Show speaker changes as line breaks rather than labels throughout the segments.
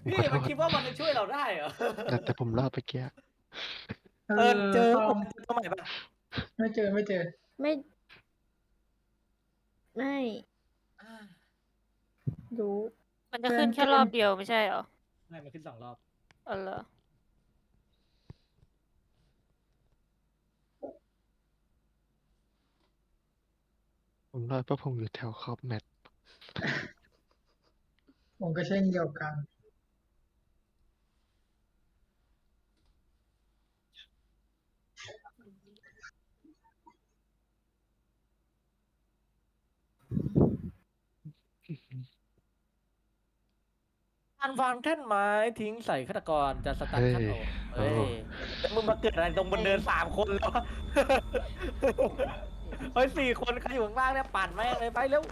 พี่
ขอโท
มัน
ษ
คิดว่ามันจะช่วยเราได้เหรอ
แต่ผมรอดเมื่อกี้
เออ
เจอ
ตอม
ตัวใหม่ปะ
ไม่เจอไม่เจอ
ไม่ไม่รู้
มันจะขึ้นแค่รอบเดียวไม่ใช่เหรอ
ไม่มันขึ้น2 รอบ
อ๋อเหรอ
ผมรอดเพราะผมอยู่แถวขอบแมตช์
ผมก็เช่นเดียวกัน
การวางแท่นไม้ทิ้งใส่ฆาตกรจะสตัน
เฮ้ย
ขั้นโอ
โอ้
เฮ้ยแล้วมึงมาเกิดอะไรตรงบนเดิน3 คนแล้ววะ เฮ้ย4 คนใครอยู่ข้างล่างเนี่ยปั่นแม่งเลยไปเร็ว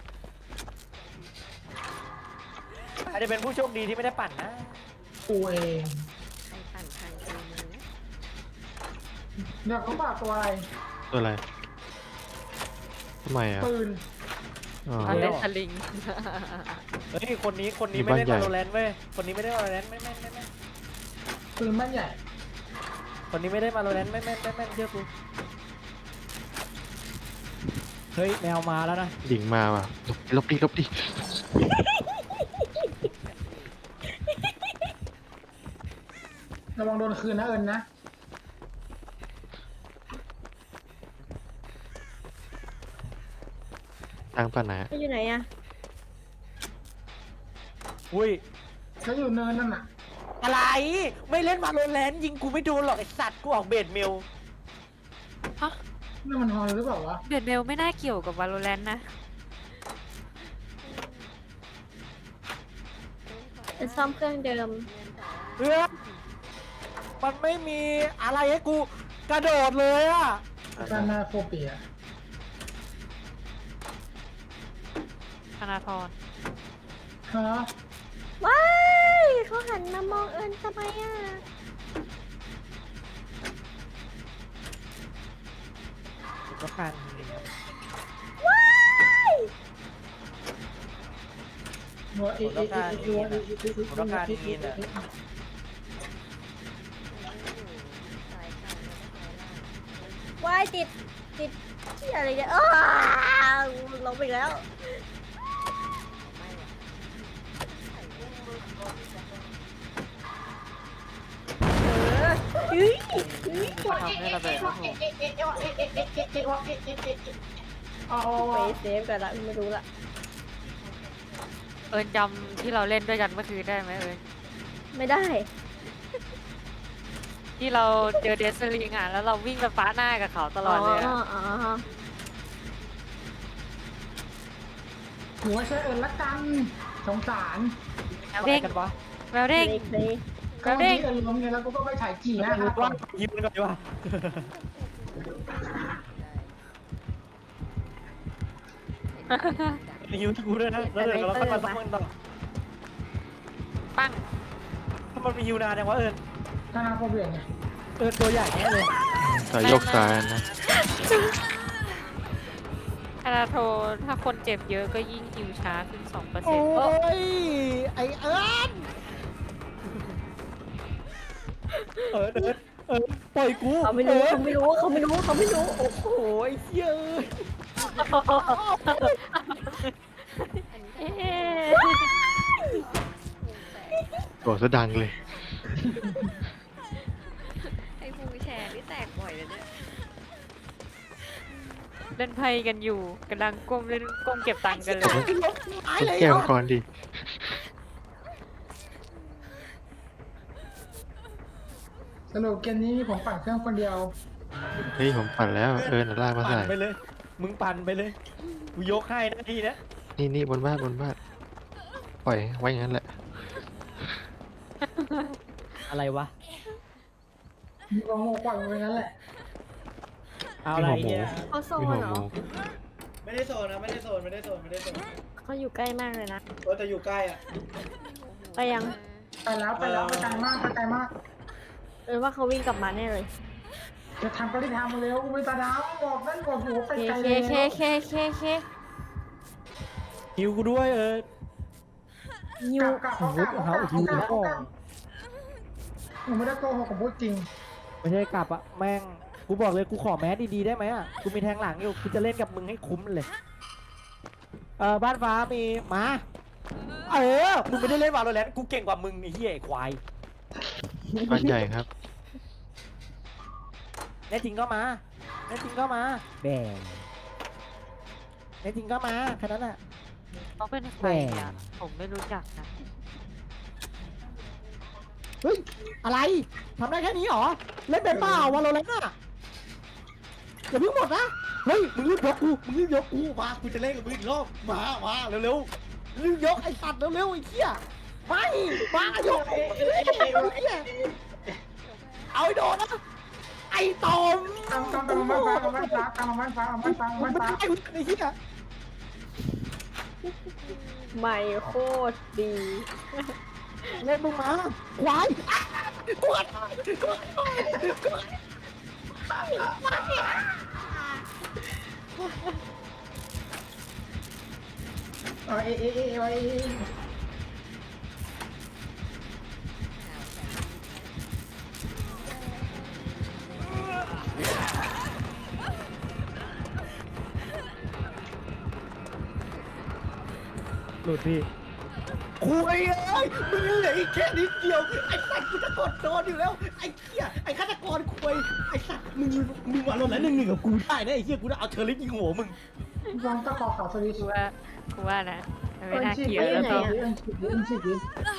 อาจจะเป็นผู้โชคดีที่ไม่ได้ปั่นนะ
กูเอง
ใครปั่นใครเองนะ
เดี๋ยวเขาบอกตัวอะไร
ตัวอะไรทำไมอ่ะ
ปืน
อ๋อ
อันเล่นสลิง
เฮ้ยคนนี้
มี
ไม่
บ้าน
ได้
ใหญ่
มาโรแลนด์เว้ยคนนี้ไม่ได้มาโรแลนด์ไม่
ปืนบ้านใหญ่
คนนี้ไม่ได้มาโรแลนด์ไม่เชื่อกูเฮ้ยแมวมาแล้วนะ
ดิ่งมาว่ะลบดิลบดิ
ระวังโดนคืนนะเอิญนะ
ทางป่าไหนอะ
เขาอยู่ไหนอะ
อุ้ย
เขาอยู่เนินนั่นน่ะ
อะไรไม่เล่นมาโรแลนด์ยิงกูไม่โดนหรอกไอสัตว์กูออกเบดเมล
ฮะ
นี่มันฮอนหรือเปล่าวะ
เบียดเบลไม่น่าเกี่ยวกับ Valorant นะ
จะซ่อมเครื่องเดิม
เพื่อนมันไม่มีอะไรให้กูกระโดดเลยอะ
กานาโฟเปีย
ธนาธร
ฮะ
ว้ายเขาหันมามองเอิญทำไมอะ
ก็การ
ว้าย
หัวเอเอเอเอหัวเอเอเอ
ผมต้องการอินอะ
ว้ายติดที่อะไรเนี่ยอ้าวลงไปอีกแล้วเฮ้ย
จะทำให้ระเบิดโอ้โห
อ๋อ
ไปเซฟกันละไม่รู้ละ
เอิญจำที่เราเล่นด้วยกันเมื่อคืนได้ไหมเอิญ
ไม่ได้
ที่เราเจอเดสลิงอ่ะแล้วเราวิ่งไปฟ้าหน้ากับเขาตลอดเลยอะ
อ๋อ
หัวใช้เอิญละกันสงสาร
อะไรกันวะ
แววเด้ง
เลย
ก็วันนี้เอิญล้มไงแล้วกูก็ไปถ่ายกี่หน้าครับ
ว่ายิงมันก่อนดีกว่ายิงกูด้วยนะแล้วเดี๋ยวเราค่อยมาต้องมันต่อ
ปั้ง
ถ้ามันมีฮิวนานยังวะเอิญ
กานาโฟเปียไง
ตัวใหญ่แน่เลย
สายโยกซ้ายนะ
ธนาโทถ้าคนเจ็บเยอะก็ยิ่งฮิวช้าขึ้น 2%
โอ้
เออย
ไอเอิญเอิญปล่อยกู
เขาไม่รู้เขาไม่รู้เขาไม่รู้เขาไม่รู้
โอ้โหไอ้เหี้ยเอ้ย
เอ๊ะ
บอกซะดังเลย
ไอ้ฟูแชร์นี่แตกบ่อยเลยเนี่ย
เล่นไพ่กันอยู่กำลังก้มเล่นก้มเก็บตังค์กันเลย
แก้วก่อนดิ
สรุปเกมนี้ผมปั่นเครื่องคนเดียว
เฮ้ยผมปั่นแล้วลากมา
ปั่
ใส่
นไปเลย มึงปั่นไปเลย กูยกให้หน้าที่นะ
นี่บนบ้านปล่อยไว้อย่างนั้นแหละ
อะไรวะ
มีกองโง่กว่างไปงั้นแหละ
เอาอะไรเนี่ย
เขาโซ
มี
น
หัว
เหร
หมู
อ
ไม่ได้โซนนะ ไม่ได้โซน
เขาอยู่ใกล้มากเลยนะ
แต่อยู่ใกล้อ่ะ
ไปยัง
ไปแล้วไปไกลมากไปไกลมาก
เออว่าเขาวิ่งกลับมาแน่เลย
จะทำก็ได้ทำเร็วไม่ตาดาวบอกนั่นบอกหัวไป
เค
ไกล
เค
เลย
เคเคเคเค
หิวกูด้วย
นิ
กลั
ว
บกลับเอากลับเอากลับเอากลับเอากลับหนูไม่ได้โกหกผมพูดจริง
ไม่ใช่กลับอะแม่งกูบอกเลยกูขอแมสดีๆได้ไหมอะกูมีแทงหลังอยู่กูจะเล่นกับมึงให้คุ้มเลยบ้านฟ้ามีมามึงไม่ได้เล่นวาโลแรนต์กูเก่งกว่ามึงไอ้เหี้ยไอ้ควาย
บ้านใหญ่ครับ
แน่จริงก็มาแน่จริงก็มาแบ่งแน่จริงก็มาแค่นั้นแหละ
เขาเป็นใครอ่ะผมไม่รู้จักนะ
เฮ้ยอะไรทำได้แค่นี้เหรอเล่นเป็นเปล่าวาโลแรนต์อะอย่าเพิ่งหมดนะเฮ้ยมึงรีบยกกูมากูจะเล่นกับมึงอีกรอบมาเร็วๆรีบยกไอ้สัตว์เร็วๆไอ้เหี้ยไม่มายกเอาไอ้โดนนะไอ้ตอม
ตามบ้านฟ้าเอาบ้านฟ้าตามบ้านฟ้าเอาบ้านฟ้าเอาบ้านฟ้า
ไอ้เหี้ย
ไม่โคตรดี
เล่นมึงมาควายกวด
เอาเอ
หลุดพี่คุยเลยมึงเหลืออีกแค่นิดเดียวไอ้สัตว์กูจะกดโดนอยู่แล้วไอ้เหี้ยไอ้ฆาตกรคุยไอ้สัตว์มึงมาลงแล้วหนึ่งกับกูได้นะไอ้เหี้ยกูจะเอาเทอร์ลิสยิงหัวมึง
วางตะขอขาวสวิตช์
กูว่านะมันไม่น่า
ฉีด
เกลียดแล้วก็
ฉีด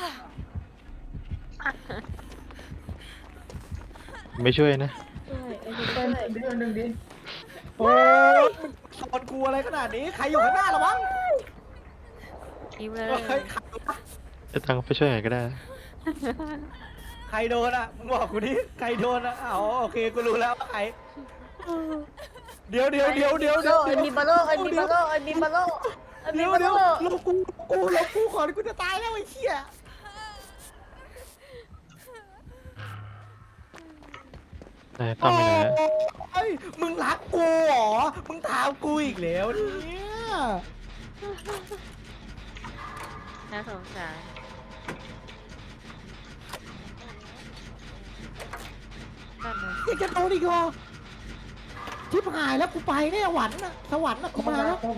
ไม่ช่วยนะ
ใช่ไอ้นี่
เดิ
ด้วย
นดิ
โอ้ยมึงสอนกูอะไรขนาดนี้ใครอยู่ข้างหน้าระวัง
ยิ้มเลย
เฮ้ย
จะตังไปช่วยหน่อยก็ได้นะ
ใครโดนอ่ะมึงบอกกูดิใครโดนอ่ะอ๋อโอเคกูรู้แล้วว่าใครเดี๋ยว
ไอ้มีบาโลไอ้มีบาโลไอ้มีบาโลไอ้มี
เดี๋ยว
บาโล
ลงกูขอกูจะตายแล้วไอ้เหี้ย
ไหนต้อมไปไหนนะ
โอ้ยมึงรักกูเหรอ มึงถามกูอีกแล้วเนี่ย
น่าสงสารนั่นเลย
ยังจะโดนอีกเหรอชิบหายแล้วกูไปแน่หวันน่ะสวรรค์น่ะกูมาแล้ว
เข้าไป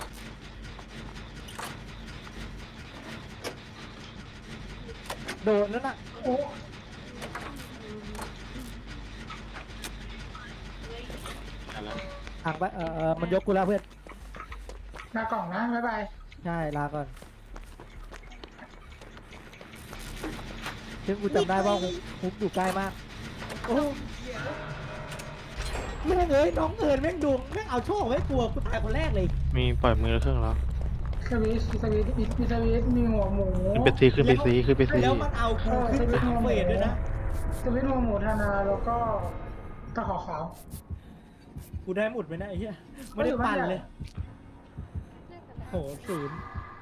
โดนนั่นน่ะ
โอ้
อ่างไปมันยกกูแล้วเพื่อน
หน้ากล่องนะบ๊ายบาย
ใช่ลาก่อนซึ่งกูจำได้ว่าคุกอยู่ใกล้มากโอ้แม่งเอ้ยน้องเอิญแม่งดวงแม่งเอาโชคไว้กลัวกูตายคนแรกเลย
มีปล่อยมือแล้วเครื่องแล้ว
สวิตมีหัวหมู
ขึ้นไปซีขึ้นไปซีขึ้นไปซี
แล้วมันเอากูขึ้นสามเฟสด้วยนะ
สวิตหัวหมูธนาแล้วก็ตะขอขาว
กูได้หมดไหมนะไอ้เหี้ยไม่ได้ปั่นเลยโหศูนย์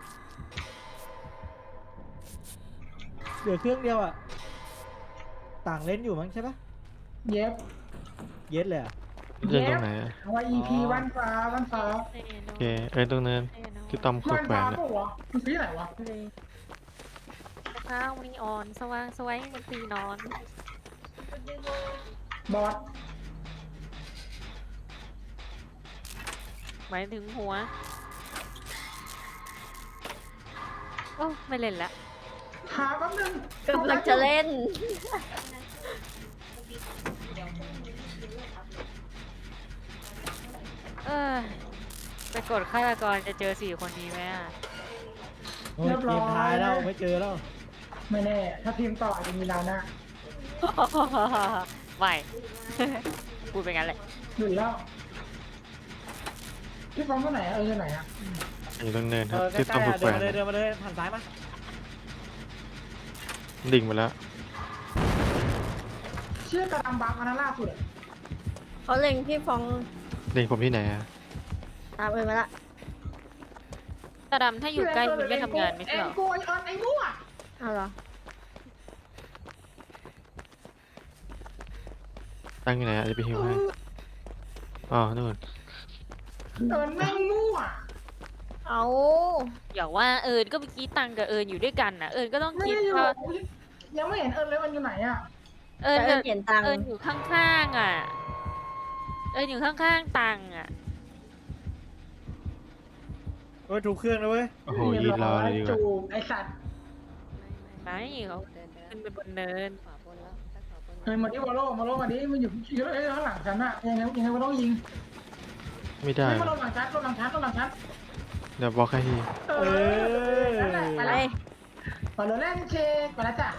เหลือเครื่องเดียวอ่ะต่างเล่นอยู่มั้งใช่ปะ
เย็บ
เย็ดเลยอ่ะ
เดินตรงไหนอะ
ว่า EP บ้านฟ้า
โอเคตรงนั้นที่ต้อมข
บ้า
บ
น
แหว
ฟ้าน
อะ
ปะวะมันสีไหนวะ
ข้าวมีอ่อนสว่างสวยบนตีนอน
บอส
หมายถึงหัวโอ้ไม่เล่นละ
หาแป๊บนึง
กำลังจะเล่น
ไปกดฆาตกรจะเจอ4 คนนี้ไหมอ่ะ
โอ้ยเกมท้ายแล้วไม่เจอแล้ว
ไม่แน่ ถ้าทีมต่ออาจจะมีดาวหน้า
ไม่ พูดไปงั้นแหละ
หยุดแล้วพี่ฟองตัวไหนอยู่ไหนอะ
อยู่ตรงเนินครับ
ใก
ที่ต้อ
ล้
ม
ๆ
ข
อ่ะ
บแหวน
เดินมาเลยหันซ้ายมา
ดิ่งไปแล้ว
เชื่อกระดำบังอันนั้นล่าสุดอะ
เขาเล็งพี่ฟอง
ดิ่งผมที่ไหนอะ
ตามเอิญมาละ
ตาดำถ้าอยู่ใกล้คุณไม่ทำงานไม่ใช่เหรอ
ไอ้โกยออนไอ้มั่ว
เอาเหรอ
ตั้งที่ไหนอะจะไปหิวให้อ๋อนู่น
แม่งมั่ว
เอา
อย่าว่าเอิญก็เมื่อกี้ตังกับเอิญอยู่ด้วยกันน่ะ เอิญก็ต้อง
ไม่
คิด
ได้อยู่
ว่า
ยังไม่เห็นเอิญเลยมันอยู่ไหนอ่ะ
เอิญ
แต่เอิญเปลี่ยนตังค์
เอิญอยู่ข้างๆอ่ะ เอิญอยู่ข้างๆตังอ่ะ
เฮ้ยถูกเครื่องแล้วเว้ย
โอ้โหยืนรอเลยดีกว่า
จูบไอสัตว์
ไม่เขาขึ้นไปบนเนิน
เอิญมาที่วอลโล่มาดิมันอยู่ข้างหลังฉันอะยังไงมันต้องยิง
ไม่ได้
ไม่มาลงหลังฉันลงหลังฉัน
เดี๋ยวบล็อกให้ที
นั่นแหละไป
ไป
แล้วไปเลยเล่นเช็คไปแล้วจ้ะ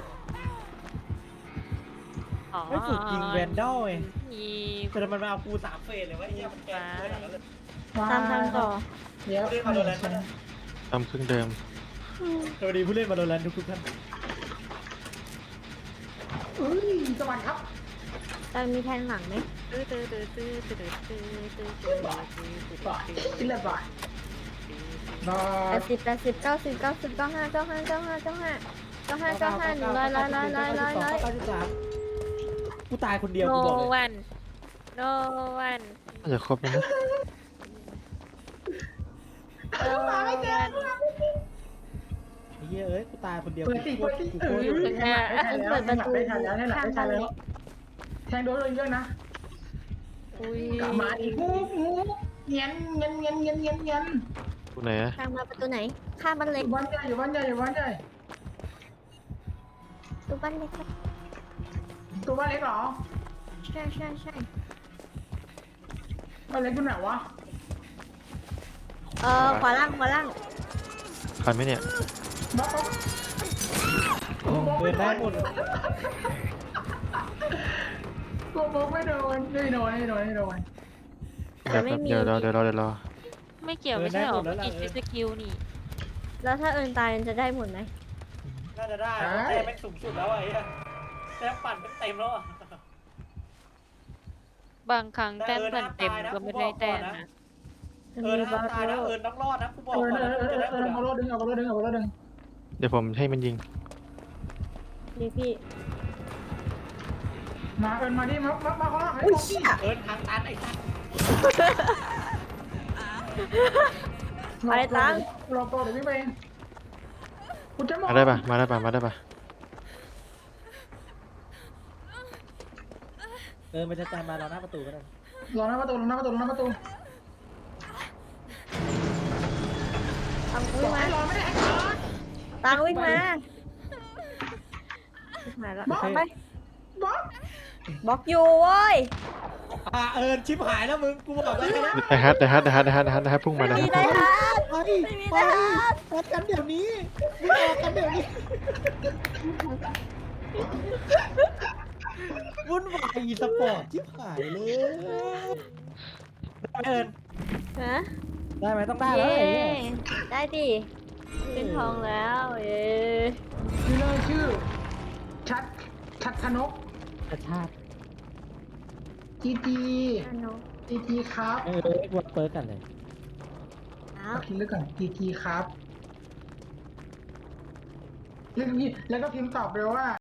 อ๋อ
ไม่ฝึกยิงแวนดอลไง
มี
แต่มันมาเอากู3เฟสเลยวะไอ้เหี้ยมันแกล้งขนาดนั้นเลย
ตามทางต่อ
เดี๋ยว
เล่นมาโดนแลนด์
ทำเครื่องเดิม
สวัสดีผู้เล่นมาโดนแลนด์ทุกท่าน
อุ้ยสวัสดีครับ
ตังมีแทงหลังไหม
ตื้อตื้อตื้อตื้อตื้อตื้อตื้อตื้อตื้อตื้อ
บ่ายกินเลยบ่ายบ่า
80 90 90 95 95 95 95 95 95 100
กูตายคนเดียว
โน
กูบอกเลย
วันโนวัน
น่าจะครบแล้วนะ
โนวัน
ไอ้เหี้ยเอ้ยกูตายคนเดียว
เปิดสิ
กู
เปิดสิ
กู
เอ
โค
อ
ตร
แทงแล้วแทงโดนเลยเยอะนะ
อุ้ย
กลับมาอีกงูเงี้ยน
ตรงไหนอะ
ทางมาประตูไหน ข้ามบ้าน
อ
เล็ก
ยู่บ้านใหญ่อยู่บ้านใหญ่อยู่บ้านใหญ่
ตู้บ้านเล็กครับ
ตัวบ้านเล็กเหรอ
ใช่ใช่ใช่
บ้านเล็กอยู่ไหนวะ
ขวาล่างขวาล่าง
ทันไหมเนี่ย
บ้า
เดินได้หมด
กูบอกไม่โดนไม่โดน
แบบเดี๋ยวรอ
ไม่เกี่ยวไม่ใช่หรอเมื่อกี้ใช้สกิลนี่
แล้วถ้าเอิญตายเอิญจะได้หมดไหม
น่าจะได้แต่แม่งสูงสุดแล้วไอ้เหี้ยแต้มปั่นเต็มแล้วอ่ะ
บางครั้งแต้มปั่นเต็มก็ไม่ได้แต้มนะ
มีบา
ตายนะ
โร่
ต้องรอดนะกูบอก
เออ
ก่อนนะจะได้หมด
เอารถดึง
เดี๋ยวผมให้มันยิง
ดีพี่
มาเอิญมาดิมาเขาละให้
อุ้ย
บอก
เชี่ย
ทางตันไอ้สัส
อะไรตัง
รอโปรเดี๋ยวพี่ไปเองกูจะ
มาได้ปะ
มันจะตามมาเราหน้าประตูก็ได้
รอหน้าประตู
ตังวิ่งมา
รอไม่ได้
ตังวิ่งมาหายละไป
บ๊อบ
บล็อกอยู่เว้ย
ชิบหายแล้วมึงกูบอกแล้วนะ
ได้ฮัทพุ่งมาได้
มีได้ฮะ
ไปไปออกกันเดี๋ยวนี้มึงออกกันเดี๋ยวนี้วุ่นวายอีสปอร์ตชิบหายเลยเอิญ
ฮะ
ได้ไหมต้องได้แล้ว
เย้
ไอ้เหี้ย
ได้ดิขึ้นทองแล้วเย้
นี่เลยชื่อชัดธนก
กระชาก
จีจี
อันโน
ครับ
กดเปิดกันเลย
อ้าว
คิดเรื่องก่อนจีครับแล้วก็พิมพ์ตอบไปว่า